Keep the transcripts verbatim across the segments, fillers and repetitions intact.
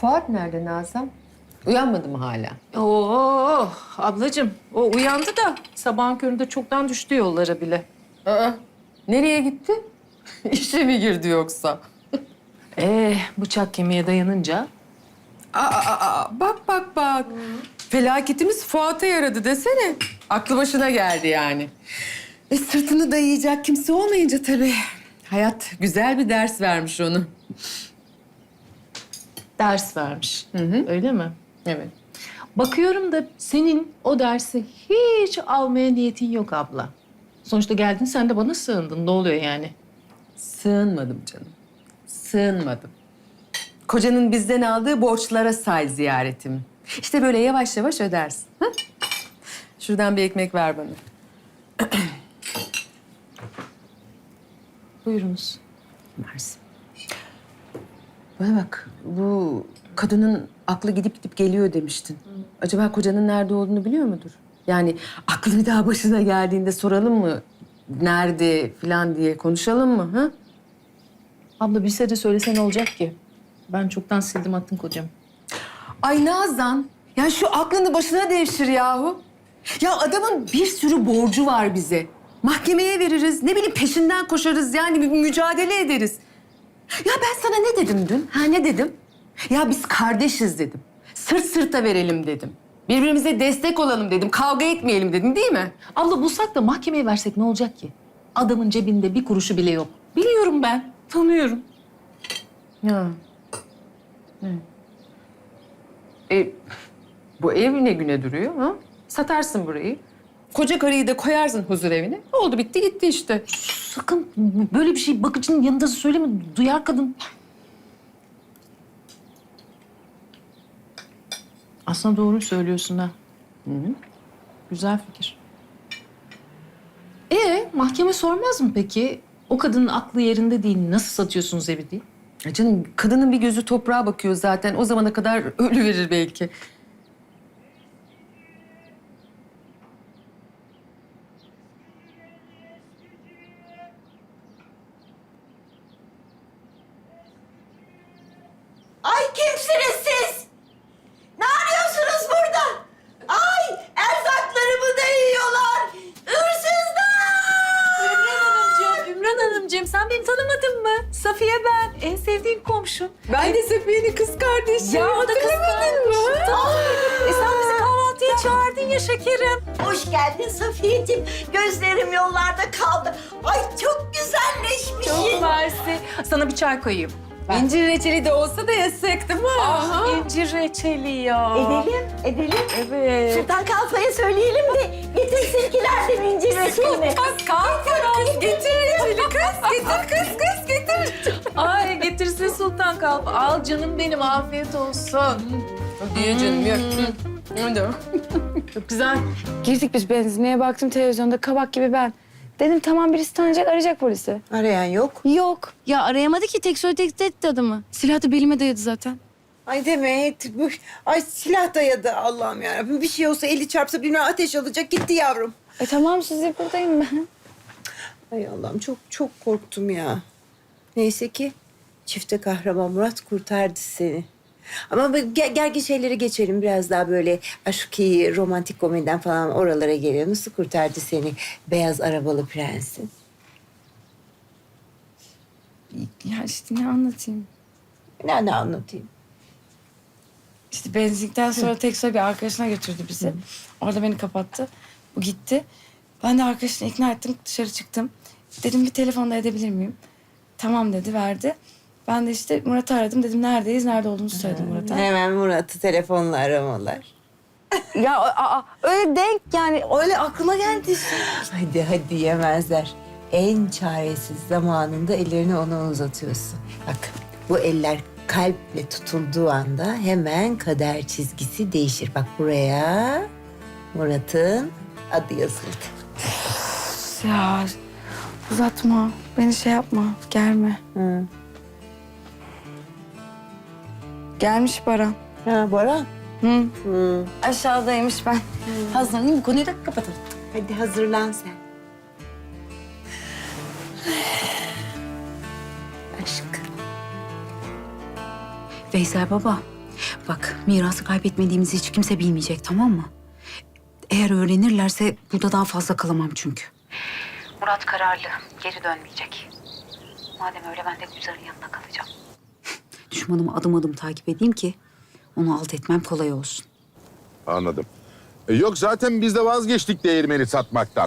Fuat nerede Nazan? Uyanmadı mı hala? Oo ablacığım o uyandı da sabahın köründe çoktan düştü yollara bile. Aa, nereye gitti? İşe mi girdi yoksa? Ee bıçak kemiğe dayanınca Aa, aa, aa, bak bak bak. Felaketimiz Fuat'a yaradı desene. Aklı başına geldi yani. E sırtını dayayacak kimse olmayınca tabii. Hayat güzel bir ders vermiş onu. ders vermiş. Hı hı. Öyle mi? Evet. Bakıyorum da senin o dersi hiç almaya niyetin yok abla. Sonuçta geldin sen de bana sığındın. Ne oluyor yani? Sığınmadım canım. Sığınmadım. Kocanın bizden aldığı borçlara say ziyaretimi. İşte böyle yavaş yavaş ödersin. Ha? Şuradan bir ekmek ver bana. Buyurunuz. Mersi. Bana bak, bu kadının aklı gidip gidip geliyor demiştin. Acaba kocanın nerede olduğunu biliyor mudur? Yani aklı bir daha başına geldiğinde soralım mı? Nerede falan diye konuşalım mı? Ha? Abla bilse de söylese ne olacak ki? Ben çoktan sildim attım kocam. Ay Nazan, ya şu aklını başına devşir yahu. Ya adamın bir sürü borcu var bize. Mahkemeye veririz, ne bileyim peşinden koşarız yani bir mücadele ederiz. Ya ben sana ne dedim dün? Ha ne dedim? Ya biz kardeşiz dedim. Sırt sırta verelim dedim. Birbirimize destek olalım dedim. Kavga etmeyelim dedim değil mi? Abla bulsak da mahkemeye versek ne olacak ki? Adamın cebinde bir kuruşu bile yok. Biliyorum ben, tanıyorum. Ya. Evet. E, bu ev ne güne duruyor ha? Satarsın burayı. Koca karıyı da koyarsın huzur evine. Oldu bitti gitti işte. Sakın böyle bir şey bakıcının yanında söyleme. Duyar kadın. Aslında doğru söylüyorsun ha. Hı hı. Güzel fikir. Ee, mahkeme sormaz mı peki? O kadının aklı yerinde değil. Nasıl satıyorsunuz evi diye? Ya canım kadının bir gözü toprağa bakıyor zaten. O zamana kadar ölü verir belki. Ay kimsiniz siz? Ne arıyorsunuz burada? Ay erzaklarımı da yiyorlar. Hırsızlar! Ümran Hanımcığım, Ümran Hanımcığım sen beni tanımadın mı? Safiye ben, en sevdiğim komşum. Ben de Safiye'nin kız kardeşi. Ya o da kız kardeşim. Tamam. E sen bizi kahvaltıya çağırdın ya şekerim. Hoş geldin Safiyeciğim. Gözlerim yollarda kaldı. Ay çok güzelleşmişsin. Çok mersi. Sana bir çay koyayım. İncir reçeli de olsa da yesek değil mi? Ah, incir reçeli ya. Edelim, edelim. Evet. Sultan Kalfa'ya söyleyelim de getirsinkilerden incir reçelini. Kız kalk getir reçeli kız. Getir kız kız getir. Ay getirsin Sultan Kalp. Al canım benim afiyet olsun. Diye canım yok. Hadi. Çok güzel. Girdik biz benzinliğe, baktım televizyonda kabak gibi ben. Dedim tamam birisi tanıyacak, arayacak polisi. Arayan yok. Yok. Ya arayamadı ki, tek söyle tek etti adamı. Silah da belime dayadı zaten. Ay Demet, bu ay silah dayadı Allah'ım yarabbim. Bir şey olsa eli çarpsa bilmem ateş alacak gitti yavrum. E tamam sizi buradayım ben. Ay Allah'ım çok çok korktum ya. Neyse ki çifte kahraman Murat kurtardı seni. Ama bu ge- gergin şeyleri geçelim. Biraz daha böyle aşkı, romantik komediden falan oralara geliyor. Nasıl kurtardı seni beyaz arabalı prensin? Ya işte ne anlatayım? Ne, ne anlatayım? İşte benzinlikten sonra tek söyle bir arkadaşına götürdü bizi. Orada beni kapattı. Bu gitti. Ben de arkadaşını ikna ettim, dışarı çıktım. Dedim bir telefonda edebilir miyim? Tamam dedi, verdi. Ben de işte Murat'ı aradım. Dedim neredeyiz, nerede olduğumuzu söyledim Murat'a. Hemen Murat'ı telefonla aramalar. Ya aa, öyle denk yani, öyle aklıma geldi. Hadi hadi yemezler. En çaresiz zamanında ellerini ona uzatıyorsun. Bak bu eller kalple tutulduğu anda hemen kader çizgisi değişir. Bak buraya Murat'ın adı yazıldı. Ya uzatma, beni şey yapma, gelme. Hı. Gelmiş Baran. Ha Bora. Hı. Hı. Aşağıdaymış ben. Hazırlanayım, bu konuyu da kapatalım. Hadi hazırlan sen. Aşk. Veysel baba, Bak, mirası kaybetmediğimizi hiç kimse bilmeyecek, tamam mı? Eğer öğrenirlerse burada daha fazla kalamam çünkü. Murat kararlı, geri dönmeyecek. Madem öyle ben de Gülzar'ın yanında kalacağım. Düşmanımı adım adım takip edeyim ki onu alt etmem kolay olsun. Anladım. E, yok zaten biz de vazgeçtik değirmeni satmaktan.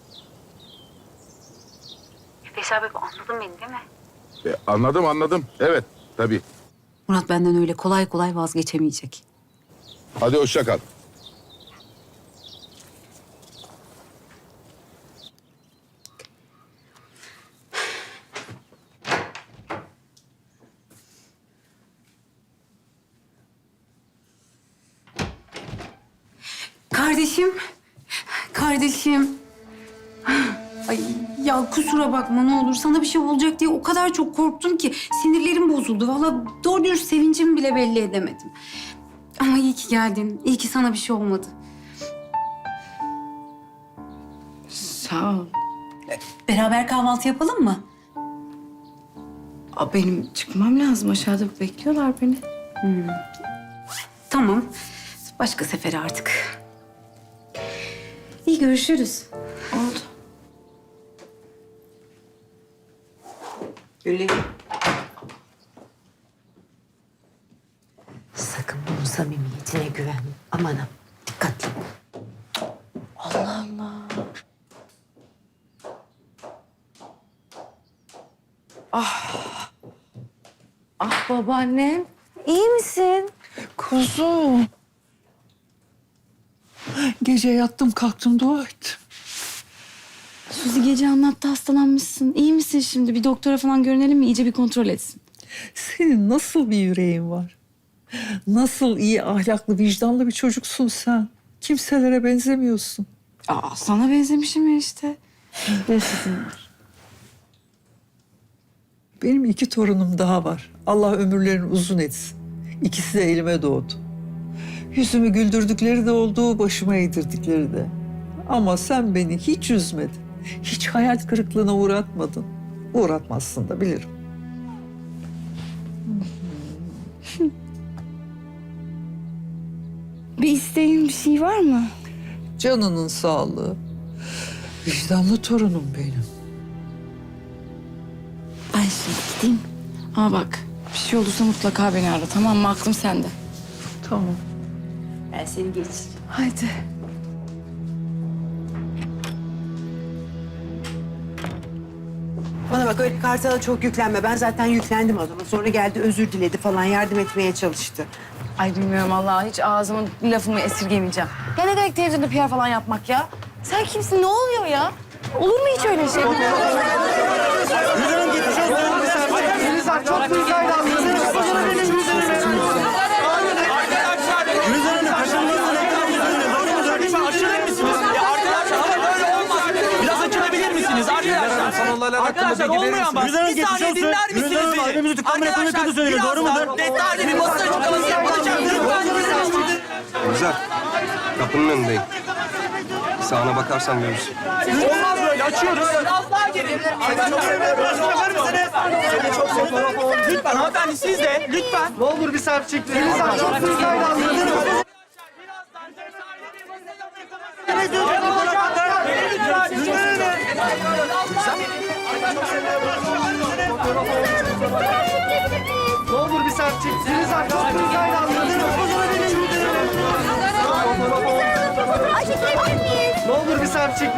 Veysel Bey, anladın beni değil mi? E, anladım anladım. Evet tabii. Murat benden öyle kolay kolay vazgeçemeyecek. Hadi hoşça kal. Kardeşim, kardeşim. Ay ya kusura bakma ne olur. Sana bir şey olacak diye o kadar çok korktum ki sinirlerim bozuldu. Vallahi doğru dürüst sevincimi bile belli edemedim. Ama iyi ki geldin. İyi ki sana bir şey olmadı. Sağ ol. Beraber kahvaltı yapalım mı? Aa, benim çıkmam lazım. Aşağıda bekliyorlar beni. Tamam. Başka sefere artık. İyi görüşürüz. Oldu. Öyle. Sakın bunun samimiyetine güvenme. Aman ha, dikkatli. Allah Allah. Ah. Ah babaannem. İyi misin? Kuzum. Gece yattım kalktım dua ettim. Suzi gece anlattı hastalanmışsın. İyi misin şimdi? Bir doktora falan görünelim mi? İyice bir kontrol etsin. Senin nasıl bir yüreğin var? Nasıl iyi ahlaklı vicdanlı bir çocuksun sen. Kimselere benzemiyorsun. Aa, sana benzemişim ya işte. Ne sizin var? Benim iki torunum daha var. Allah ömürlerini uzun etsin. İkisi de elime doğdu. Yüzümü güldürdükleri de oldu, başıma eğdirdikleri de. Ama sen beni hiç üzmedin. Hiç hayal kırıklığına uğratmadın. Uğratmazsın da bilirim. Bir isteğin bir şey var mı? Canının sağlığı. Vicdanlı torunum benim. Ben şimdi gideyim. Ama bak bir şey olursa mutlaka beni ara, tamam mı? Aklım sende. Tamam. Ben seni geçireyim. Haydi. Bana bak öyle Kartal'a çok yüklenme. Ben zaten yüklendim adama. Sonra geldi özür diledi falan yardım etmeye çalıştı. Ay bilmiyorum vallahi hiç ağzımın lafımı esirgemeyeceğim. Ya ne demek televizyonda P R falan yapmak ya? Sen kimsin? Ne oluyor ya? Olur mu hiç öyle şey? Arkadaşlar olmuyor ama. Bir saniye dinler misiniz beni? Arkadaşlar birazdan detaylı bir basın açıklaması yapılacak. Lütfen dinler. Güzel. Kapının önündeyim. Sağına bakarsan görürsün. Olmaz böyle açıyoruz. Biraz daha gelin. Arkadaşlar çok fotoğraf olun. Lütfen hanımefendi siz de lütfen. Ne olur bir selfie çekin. Elinizden çok büyük hayranlığınız. Ne olur bir selfie çekin. Elinizden çok büyük hayranlığınız. Ne olur bir selfie çekin.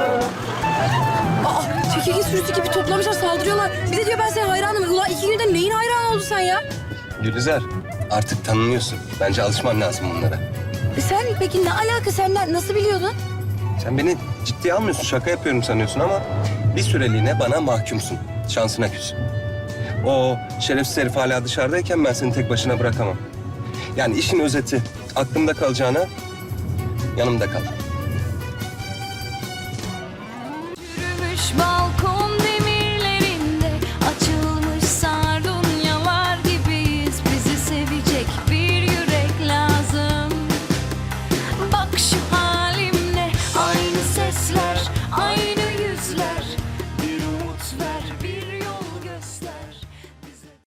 Aa, çekirge sürüsü gibi toplamışlar, saldırıyorlar. Bir de diyor ben senin hayranım. Ulan iki günde neyin hayranı oldun sen ya? Gülizar, artık tanınıyorsun. Bence alışman lazım bunlara. Sen peki ne alaka? Sen ne- nasıl biliyordun? Sen beni ciddiye almıyorsun, şaka yapıyorum sanıyorsun ama bir süreliğine bana mahkumsun. Şansına küs. O şerefsiz herif hala dışarıdayken ben seni tek başına bırakamam. Yani işin özeti, aklımda kalacağına yanımda kal. Yürümüş balkon